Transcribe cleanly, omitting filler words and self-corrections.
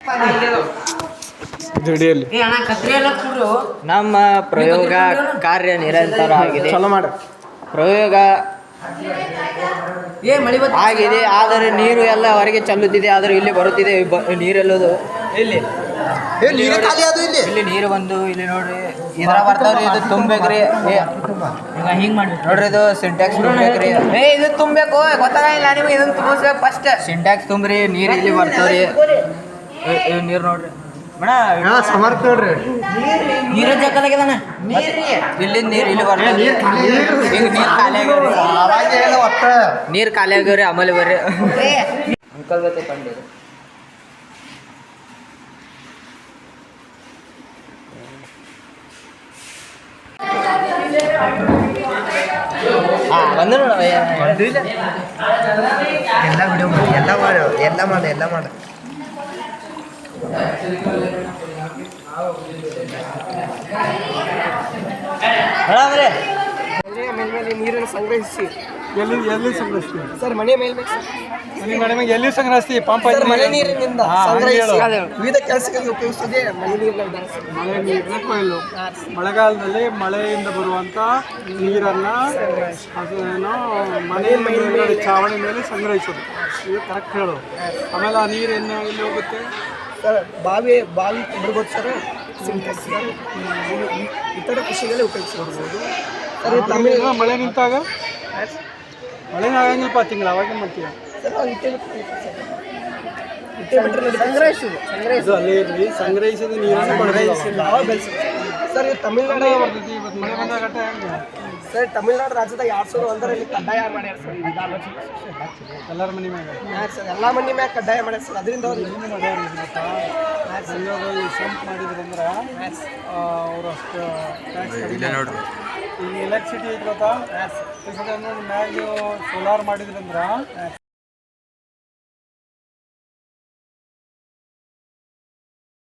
ನಮ್ಮ ಪ್ರಯೋಗ ಕಾರ್ಯ ನಿರಂತರ ಆಗಿದೆ. ಪ್ರಯೋಗ ಆಗಿದೆ, ಆದರೆ ನೀರು ಎಲ್ಲ ಹೊರಗೆ ಚೆಲ್ಲುತ್ತಿದೆ. ಆದರೆ ಇಲ್ಲಿ ಬರುತ್ತಿದೆ ನೀರೆಲ್ಲದು. ಇಲ್ಲಿ ನೀರು ಬಂದು ಇಲ್ಲಿ ನೋಡ್ರಿ, ಇದ್ರ ಬರ್ತಾವ್ರಿ. ಇದು ತುಂಬೇಕ್ರಿ, ಹಿಂಗ್ ಮಾಡಿ ನೋಡ್ರಿ. ಇದು ಸಿಂಟ್ಯಾಕ್ಸ್ ತುಂಬೇಕ್ರಿ. ಇದು ತುಂಬಬೇಕು, ಗೊತ್ತಾಗಿಲ್ಲ ನಿಮ್ಗೆ. ಇದನ್ನ ತುಂಬಿಸ್ಬೇಕು ಫಸ್ಟ್. ಸಿಂಟ್ಯಾಕ್ಸ್ ತುಂಬ್ರಿ, ನೀರು ಇಲ್ಲಿ ಬರ್ತಾವ್ರಿ. ನೀರು ನೋಡ್ರಿ ಸಮರ್ಥ ನೋಡ್ರಿ. ನೀರು ಜಗ್ಗದಾಗ್ಯದಣ್ಣ. ಇಲ್ಲಿ ನೀರು ಇಲ್ಲಿ ಬರ್ತಾವ. ನೀರು ಖಾಲಿ ಆಗ್ಯವ್ರಿ. ಆಮೇಲೆ ಬರ್ರಿ ಅಂಕಲ್ ಬತ್ತೆ ಕಂಡಿರಿ. ಬಂದ್ರು ಎಲ್ಲ ವಿಡಿಯೋ ಮಾಡಿ, ಎಲ್ಲ ಮಾಡು. ಮೇಲ್ಮೇಲೆ ನೀರನ್ನು ಸಂಗ್ರಹಿಸಿ ಎಲ್ಲಿ ಸಂಗ್ರಹಿಸ್ತೀವಿ ಸರ್? ಮನೆ ಮೇಲ್ಮೇಲೆ ಎಲ್ಲಿ ಸಂಗ್ರಹಿಸ್ತೀವಿ? ಪಂಪ್ ಮಳೆ ನೀರಿನಿಂದ ಸಂಗ್ರಹಿಸಿ ವಿವಿಧ ಕೆಲಸಗಳಿಗೆ ಉಪಯೋಗಿಸದೆ ಮಳೆ ನೀರನ್ನ ಕೊಯ್ಲು. ಮಳೆಗಾಲದಲ್ಲಿ ಮಳೆಯಿಂದ ಬರುವಂಥ ನೀರನ್ನು ಅದನ್ನು ಮನೆ ಮೇಲೆ ಚಾವಣಿ ಮೇಲೆ ಸಂಗ್ರಹಿಸೋದು. ಇದು ಕರೆಕ್ಟ್ ಹೇಳೋದು. ಆಮೇಲೆ ಆ ನೀರು ಎಲ್ಲಿ ಹೋಗುತ್ತೆ ಸರ್? ಬಾವಿ ಬರ್ಬೋದು ಸರ್. ಸಿಂಟೆಕ್ಸ್ ಇತರ ಕೃಷಿಗಳೇ ಉಪಯೋಗಿಸ್ಕೊಡ್ಬೋದು ಸರ್. ತಮಿಳು ಮಳೆ ನಿಂತಾಗ ಮಳೆ ಆಗಂಗಿಲ್ಲಪ್ಪ, ತಿಂಗಳು ಅವಾಗ ಮಾಡ್ತೀವಿ ಸರ್. ಅಲ್ಲೇ ಇರಲಿ, ಸಂಗ್ರಹಿಸಿದ ನೀರನ್ನು ಬೆಳೆಸಿಲ್ಲ ಸರ್. ಇದು ತಮಿಳ್ನಾಡು ಬರ್ತೈತಿ. ಇವತ್ತು ಮಳೆ ಬಂದಾಗ ಹೆಂಗೆ ಸರ್? ತಮಿಳ್ನಾಡು ರಾಜ್ಯದಾಗ 2001ರಲ್ಲಿ ಕಡ್ಡಾಯ ಮಾಡ್ಯಾರ ಸರ್. ಎಲ್ಲರ ಮನೆ ಮ್ಯಾಗ ಸರ್, ಎಲ್ಲ ಮನೆ ಮ್ಯಾಗ ಕಡ್ಡಾಯ ಮಾಡ್ಯಾರ ಸರ್. ಅದರಿಂದ ಅವ್ರು ಏನು ಮಾಡ್ಯಾರ ಸಂಘದಲ್ಲಿ ಸಂಪ್ ಮಾಡಿದ್ರಂದ್ರೆ ಅವ್ರು ಅಷ್ಟು ಟ್ಯಾಕ್ಸ್ ನೋಡ್ರಿ. ಈಗ ಎಲೆಕ್ಟ್ರಿಸಿಟಿ ಐತಿ ಗೊತ್ತಾ? ಮ್ಯಾಗ ಸೋಲಾರ್ ಮಾಡಿದ್ರಂದ್ರೆ